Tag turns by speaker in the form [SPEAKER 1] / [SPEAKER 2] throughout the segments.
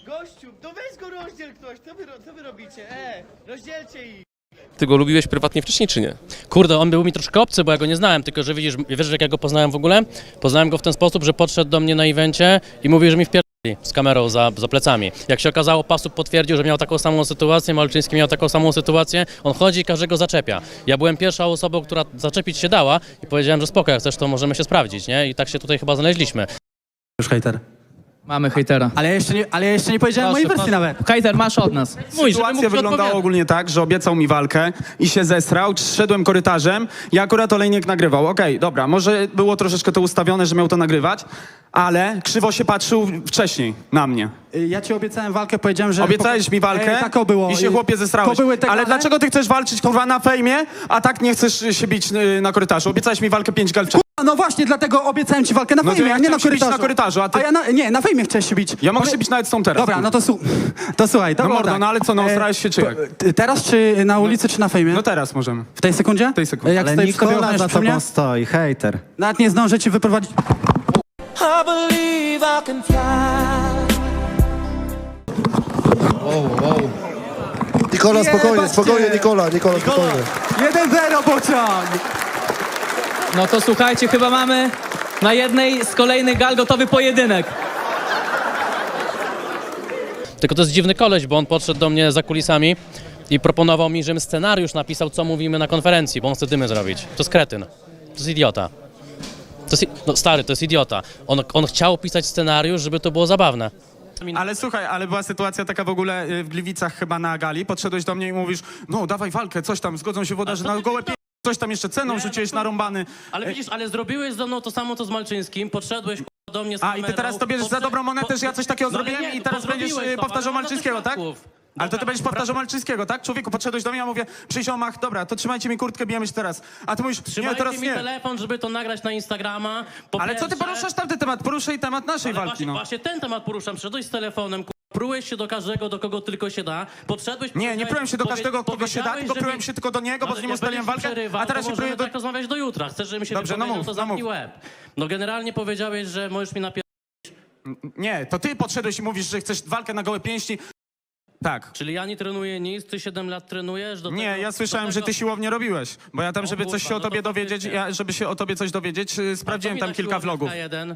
[SPEAKER 1] Gościu, to weź go rozdziel ktoś, co wy robicie? Rozdzielcie ich.
[SPEAKER 2] Ty go lubiłeś prywatnie wcześniej, czy nie?
[SPEAKER 3] Kurde, on był mi troszkę obcy, bo ja go nie znałem, tylko że wiesz jak ja go poznałem w ogóle? Poznałem go w ten sposób, że podszedł do mnie na evencie i mówił, że mi wpierdoli z kamerą za plecami. Jak się okazało, Pasub potwierdził, że miał taką samą sytuację, Malczyński miał taką samą sytuację, on chodzi i każdego zaczepia. Ja byłem pierwszą osobą, która zaczepić się dała i powiedziałem, że spoko, jak chcesz, to możemy się sprawdzić, nie? I tak się tutaj chyba znaleźliśmy.
[SPEAKER 4] Już hejter.
[SPEAKER 5] Mamy hejtera.
[SPEAKER 4] Ale ja jeszcze nie powiedziałem mojej wersji nawet.
[SPEAKER 5] Hejter masz od nas.
[SPEAKER 6] Sytuacja wyglądała ogólnie tak, że obiecał mi walkę i się zesrał, szedłem korytarzem i akurat Olejnik nagrywał. Okej, dobra, może było troszeczkę to ustawione, że miał to nagrywać, ale krzywo się patrzył wcześniej na mnie.
[SPEAKER 4] Ja ci obiecałem walkę, powiedziałem, że...
[SPEAKER 6] Obiecałeś mi walkę
[SPEAKER 4] tak było.
[SPEAKER 6] i się chłopie zesrałeś.
[SPEAKER 4] To były te
[SPEAKER 6] Ale
[SPEAKER 4] gale?
[SPEAKER 6] dlaczego ty chcesz walczyć kurwa na fejmie, a tak nie chcesz się bić na korytarzu? Obiecałeś mi walkę 5 gal wcześniej.
[SPEAKER 4] No właśnie, dlatego obiecałem ci walkę na
[SPEAKER 6] No to
[SPEAKER 4] fejmie,
[SPEAKER 6] ja
[SPEAKER 4] a nie na
[SPEAKER 6] chciałem się bić
[SPEAKER 4] korytarzu.
[SPEAKER 6] na korytarzu, a ty-
[SPEAKER 4] nie, na fejmie chciałeś się bić.
[SPEAKER 6] Ja mogę się bić nawet z tą teraz.
[SPEAKER 4] Dobra, no to słuchaj, to
[SPEAKER 6] No
[SPEAKER 4] było
[SPEAKER 6] mordo,
[SPEAKER 4] tak.
[SPEAKER 6] no ale co, no osrałeś się czy jak?
[SPEAKER 4] Teraz czy na ulicy, czy na fejmie?
[SPEAKER 6] No teraz możemy.
[SPEAKER 4] W tej sekundzie?
[SPEAKER 6] W tej sekundzie.
[SPEAKER 4] Jak
[SPEAKER 7] Ale
[SPEAKER 4] stoi przy tobie,
[SPEAKER 7] Nikola
[SPEAKER 4] ochroniasz
[SPEAKER 7] za
[SPEAKER 4] przy mnie?
[SPEAKER 7] tobą stoi, hejter.
[SPEAKER 4] Nawet nie zdążę ci wyprowadzić...
[SPEAKER 8] I believe I can fly.
[SPEAKER 9] Nikola, spokojnie,
[SPEAKER 4] Jebać
[SPEAKER 9] spokojnie,
[SPEAKER 4] cię!
[SPEAKER 9] Nikola, spokojnie.
[SPEAKER 4] 1-0 pociąg!
[SPEAKER 5] No to słuchajcie, chyba mamy na jednej z kolejnych gal gotowy pojedynek.
[SPEAKER 3] Tylko to jest dziwny koleś, bo on podszedł do mnie za kulisami i proponował mi, żebym scenariusz napisał, co mówimy na konferencji, bo on chce dymy zrobić. To jest kretyn. To jest idiota. No stary, to jest idiota. On chciał pisać scenariusz, żeby to było zabawne.
[SPEAKER 6] Ale słuchaj, ale była sytuacja taka w ogóle w Gliwicach chyba na gali, podszedłeś do mnie i mówisz, no dawaj walkę, coś tam, zgodzą się włodarze na gołe coś tam jeszcze ceną rzuciłeś narąbany.
[SPEAKER 3] Ale widzisz, ale zrobiłeś ze mną to samo, co z Malczyńskim, podszedłeś do mnie z
[SPEAKER 6] A
[SPEAKER 3] kamerą,
[SPEAKER 6] i ty teraz to bierzesz za dobrą monetę, że ja coś takiego
[SPEAKER 3] No ale
[SPEAKER 6] zrobiłem
[SPEAKER 3] nie,
[SPEAKER 6] i teraz będziesz
[SPEAKER 3] zrobiłeś to,
[SPEAKER 6] powtarzał
[SPEAKER 3] ale
[SPEAKER 6] Malczyńskiego, tak?
[SPEAKER 3] świadków.
[SPEAKER 6] Ale to ty
[SPEAKER 3] Dobra,
[SPEAKER 6] będziesz powtarzał Malczyńskiego, tak? Człowieku, podszedłeś do mnie, ja mówię, przyjść o mach, dobra, to trzymajcie mi kurtkę, bijemy się teraz. A ty mówisz, nie,
[SPEAKER 3] Trzymajcie
[SPEAKER 6] teraz
[SPEAKER 3] mi
[SPEAKER 6] nie.
[SPEAKER 3] telefon, żeby to nagrać na Instagrama. Po
[SPEAKER 6] Ale co ty
[SPEAKER 3] pierwsze-
[SPEAKER 6] poruszasz tamten temat? Poruszaj temat naszej
[SPEAKER 3] Ale
[SPEAKER 6] walki,
[SPEAKER 3] właśnie,
[SPEAKER 6] no.
[SPEAKER 3] właśnie ten temat poruszam. Przyszedłeś z telefonem, prułeś się do każdego, do kogo tylko się da. Podszedłeś...
[SPEAKER 6] Nie prułem się do każdego, kogo się da,
[SPEAKER 3] powiedziałeś,
[SPEAKER 6] tylko
[SPEAKER 3] że
[SPEAKER 6] prułem
[SPEAKER 3] mi-
[SPEAKER 6] się tylko do niego, bo z nim
[SPEAKER 3] jak
[SPEAKER 6] ustaliłem
[SPEAKER 3] będziesz
[SPEAKER 6] walkę,
[SPEAKER 3] przerywał,
[SPEAKER 6] a teraz
[SPEAKER 3] to
[SPEAKER 6] się pruję
[SPEAKER 3] możemy
[SPEAKER 6] do...
[SPEAKER 3] tak rozmawiać do jutra. Chcesz, żebym się
[SPEAKER 6] Dobrze, no
[SPEAKER 3] wypowiedział,
[SPEAKER 6] mów,
[SPEAKER 3] to
[SPEAKER 6] no
[SPEAKER 3] zamknij
[SPEAKER 6] mów.
[SPEAKER 3] łeb. No generalnie powiedziałeś, że możesz mi napier...
[SPEAKER 6] Nie, to ty podszedłeś i mówisz, że chcesz walkę na gołe pięści. Tak.
[SPEAKER 3] Czyli ja nie trenuję nic, ty 7 lat trenujesz? Do
[SPEAKER 6] Nie,
[SPEAKER 3] tego,
[SPEAKER 6] ja słyszałem,
[SPEAKER 3] do
[SPEAKER 6] że
[SPEAKER 3] tego...
[SPEAKER 6] ty siłownię robiłeś, bo ja tam, żeby coś się o
[SPEAKER 3] kurwa, no
[SPEAKER 6] tobie
[SPEAKER 3] to
[SPEAKER 6] dowiedzieć,
[SPEAKER 3] faktycznie.
[SPEAKER 6] żeby się o tobie coś dowiedzieć, sprawdziłem tam kilka vlogów.
[SPEAKER 3] K1.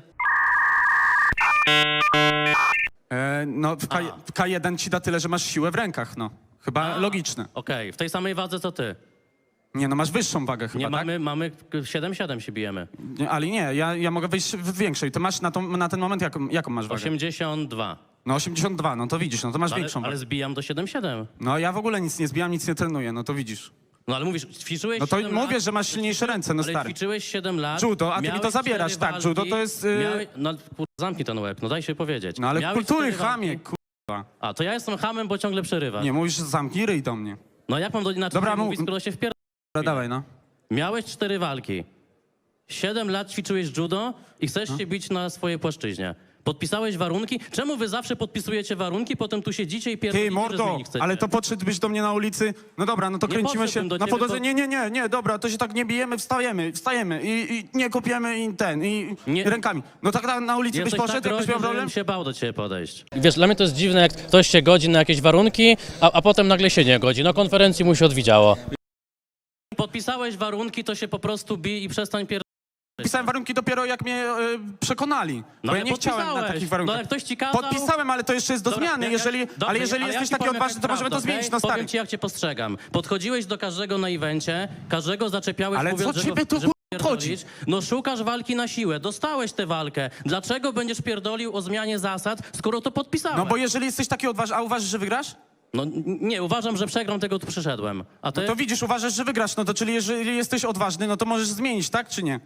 [SPEAKER 6] No, w K1 ci da tyle, że masz siłę w rękach, no. Chyba logiczne.
[SPEAKER 3] Okej, w tej samej wadze co ty.
[SPEAKER 6] Nie, no masz wyższą wagę chyba,
[SPEAKER 3] Nie,
[SPEAKER 6] tak?
[SPEAKER 3] mamy 7-7 się bijemy.
[SPEAKER 6] Nie, ale nie, ja mogę wejść w większej. Ty masz na ten moment jaką masz wagę?
[SPEAKER 3] 82.
[SPEAKER 6] No 82, no to widzisz, no to masz
[SPEAKER 3] Ale,
[SPEAKER 6] większą
[SPEAKER 3] ale
[SPEAKER 6] wagę.
[SPEAKER 3] zbijam do 7-7.
[SPEAKER 6] No ja w ogóle nic nie zbijam, nic nie trenuję, no to widzisz.
[SPEAKER 3] No ale mówisz, ćwiczyłeś
[SPEAKER 6] No to
[SPEAKER 3] 7
[SPEAKER 6] mówię,
[SPEAKER 3] lat,
[SPEAKER 6] że masz silniejsze ręce, no
[SPEAKER 3] ale
[SPEAKER 6] stary.
[SPEAKER 3] ćwiczyłeś 7 lat.
[SPEAKER 6] Judo, a ty mi to
[SPEAKER 3] miałeś
[SPEAKER 6] zabierasz,
[SPEAKER 3] 4
[SPEAKER 6] tak, judo to jest,
[SPEAKER 3] No kurwa, zamknij ten łeb, no daj się powiedzieć.
[SPEAKER 6] No ale
[SPEAKER 3] Miałeś
[SPEAKER 6] kultury,
[SPEAKER 3] 4 walki.
[SPEAKER 6] chamie, kurwa.
[SPEAKER 3] A, to ja jestem hamem, bo ciągle przerywasz.
[SPEAKER 6] Nie, mówisz, że zamknij ryj do mnie.
[SPEAKER 3] No jak mam inaczej
[SPEAKER 6] Dobra,
[SPEAKER 3] mówić,
[SPEAKER 6] mów.
[SPEAKER 3] skoro się wpier...
[SPEAKER 6] Dobra, dawaj, no.
[SPEAKER 3] Miałeś 4 walki. 7 lat ćwiczyłeś judo i chcesz się bić na swojej płaszczyźnie. Podpisałeś warunki? Czemu wy zawsze podpisujecie warunki, potem tu siedzicie i pierdolicie,
[SPEAKER 6] Ty,
[SPEAKER 3] że
[SPEAKER 6] mordo,
[SPEAKER 3] zmienić chcecie?
[SPEAKER 6] ale to podszedłbyś do mnie na ulicy. No dobra, no to
[SPEAKER 3] Nie
[SPEAKER 6] kręcimy się
[SPEAKER 3] podszedłbym do
[SPEAKER 6] na
[SPEAKER 3] ciebie,
[SPEAKER 6] podłodze.
[SPEAKER 3] to-
[SPEAKER 6] Nie, dobra, to się tak nie bijemy, wstajemy i nie kopiemy i
[SPEAKER 3] Nie.
[SPEAKER 6] rękami. No tak na ulicy byś
[SPEAKER 3] Jesteś
[SPEAKER 6] poszedł,
[SPEAKER 3] tak
[SPEAKER 6] jakbyś
[SPEAKER 3] groźny,
[SPEAKER 6] miał
[SPEAKER 3] że
[SPEAKER 6] problem?
[SPEAKER 3] bym się bał do ciebie podejść. Wiesz, dla mnie to jest dziwne, jak ktoś się godzi na jakieś warunki, a potem nagle się nie godzi. Na konferencji mu się odwidziało. Podpisałeś warunki, to się po prostu bij i przestań pierdolić.
[SPEAKER 6] Pisałem warunki dopiero jak mnie przekonali, bo ja nie chciałem na takich
[SPEAKER 3] No
[SPEAKER 6] warunkach.
[SPEAKER 3] ale ktoś ci kazał...
[SPEAKER 6] Podpisałem, ale to jeszcze jest do
[SPEAKER 3] Dobra,
[SPEAKER 6] zmiany, ale jeżeli jesteś taki odważny, to możemy to zmienić, no stary.
[SPEAKER 3] Powiem ci, jak cię postrzegam. Podchodziłeś do każdego na evencie, każdego zaczepiałeś,
[SPEAKER 6] Ale
[SPEAKER 3] mówiąc,
[SPEAKER 6] co
[SPEAKER 3] że
[SPEAKER 6] ciebie
[SPEAKER 3] go,
[SPEAKER 6] tu
[SPEAKER 3] że
[SPEAKER 6] obchodzi?
[SPEAKER 3] pierdolić. No szukasz walki na siłę, dostałeś tę walkę. Dlaczego będziesz pierdolił o zmianie zasad, skoro to podpisałeś?
[SPEAKER 6] No bo jeżeli jesteś taki odważny, a uważasz, że wygrasz?
[SPEAKER 3] No nie, uważam, że przegram, tego tu przyszedłem. A ty?
[SPEAKER 6] No to widzisz, uważasz, że wygrasz, no to czyli jeżeli jesteś odważny, no to możesz zmienić, tak czy nie?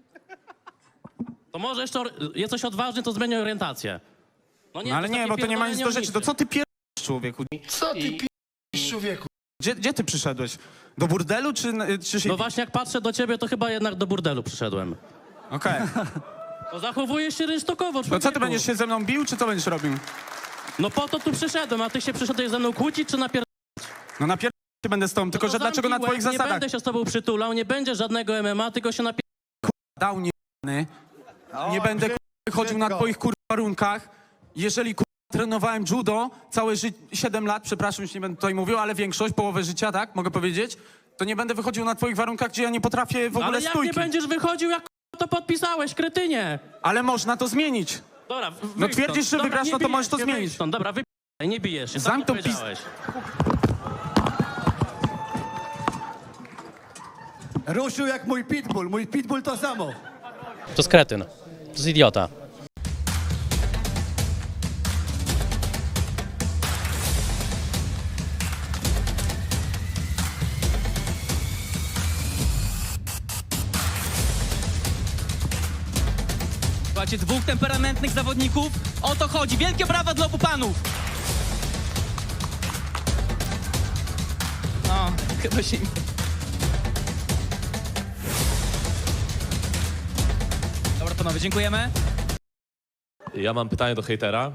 [SPEAKER 3] To może jeszcze jesteś odważny, to zmienię orientację.
[SPEAKER 6] No
[SPEAKER 3] to
[SPEAKER 6] ale
[SPEAKER 3] jest
[SPEAKER 6] nie,
[SPEAKER 3] takie
[SPEAKER 6] bo to nie ma nic do
[SPEAKER 3] pierdolenie
[SPEAKER 6] rzeczy. To co ty pierdolisz, człowieku?
[SPEAKER 9] Co ty p***sz, człowieku?
[SPEAKER 6] Gdzie ty przyszedłeś? Do burdelu czy
[SPEAKER 3] No właśnie, jak patrzę do ciebie, to chyba jednak do burdelu przyszedłem.
[SPEAKER 6] Okej.
[SPEAKER 3] No zachowujesz się rynsztokowo,
[SPEAKER 6] To co,
[SPEAKER 3] człowieku.
[SPEAKER 6] ty będziesz się ze mną bił, czy co będziesz robił?
[SPEAKER 3] No po to tu przyszedłem, a ty się przyszedłeś ze mną kłócić, czy
[SPEAKER 6] No napierdolę się będę z tobą, tylko że dlaczego na twoich
[SPEAKER 3] Nie
[SPEAKER 6] zasadach?
[SPEAKER 3] będę się z tobą przytulał, nie będzie żadnego MMA, tylko się
[SPEAKER 6] Dał nie będę chodził na twoich warunkach. Jeżeli Trenowałem judo całe 7 lat, przepraszam, już nie będę tutaj mówił, ale większość, połowę życia, tak, mogę powiedzieć, to nie będę wychodził na twoich warunkach, gdzie ja nie potrafię w ogóle
[SPEAKER 3] Ale jak
[SPEAKER 6] stójki.
[SPEAKER 3] nie będziesz wychodził, jak to podpisałeś, kretynie?
[SPEAKER 6] Ale można to zmienić.
[SPEAKER 3] Dobra,
[SPEAKER 6] No twierdzisz, że wygrasz, no to możesz to zmienić.
[SPEAKER 3] Stąd. Dobra, nie bijesz się,
[SPEAKER 6] Zamknął
[SPEAKER 3] sam to powiedziałeś.
[SPEAKER 9] Ruszył jak mój pitbull. Mój pitbull to samo.
[SPEAKER 3] To jest kretyn, to jest idiota.
[SPEAKER 5] Słuchajcie, dwóch temperamentnych zawodników. O to chodzi. Wielkie brawa dla obu panów. No, chyba się... Dobra, panowie, dziękujemy.
[SPEAKER 7] Ja mam pytanie do hejtera.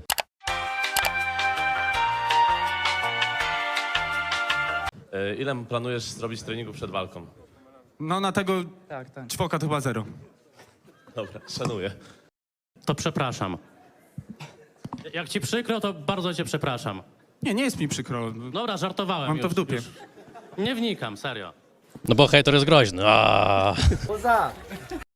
[SPEAKER 7] Ile planujesz zrobić treningu przed walką?
[SPEAKER 6] No na tego
[SPEAKER 4] Tak.
[SPEAKER 6] czwoka to chyba 0.
[SPEAKER 7] Dobra, szanuję.
[SPEAKER 3] To przepraszam. Jak ci przykro, to bardzo cię przepraszam.
[SPEAKER 6] Nie jest mi przykro.
[SPEAKER 3] Dobra, żartowałem.
[SPEAKER 6] Mam to w dupie.
[SPEAKER 3] Nie wnikam, serio. No bo hejter jest groźny.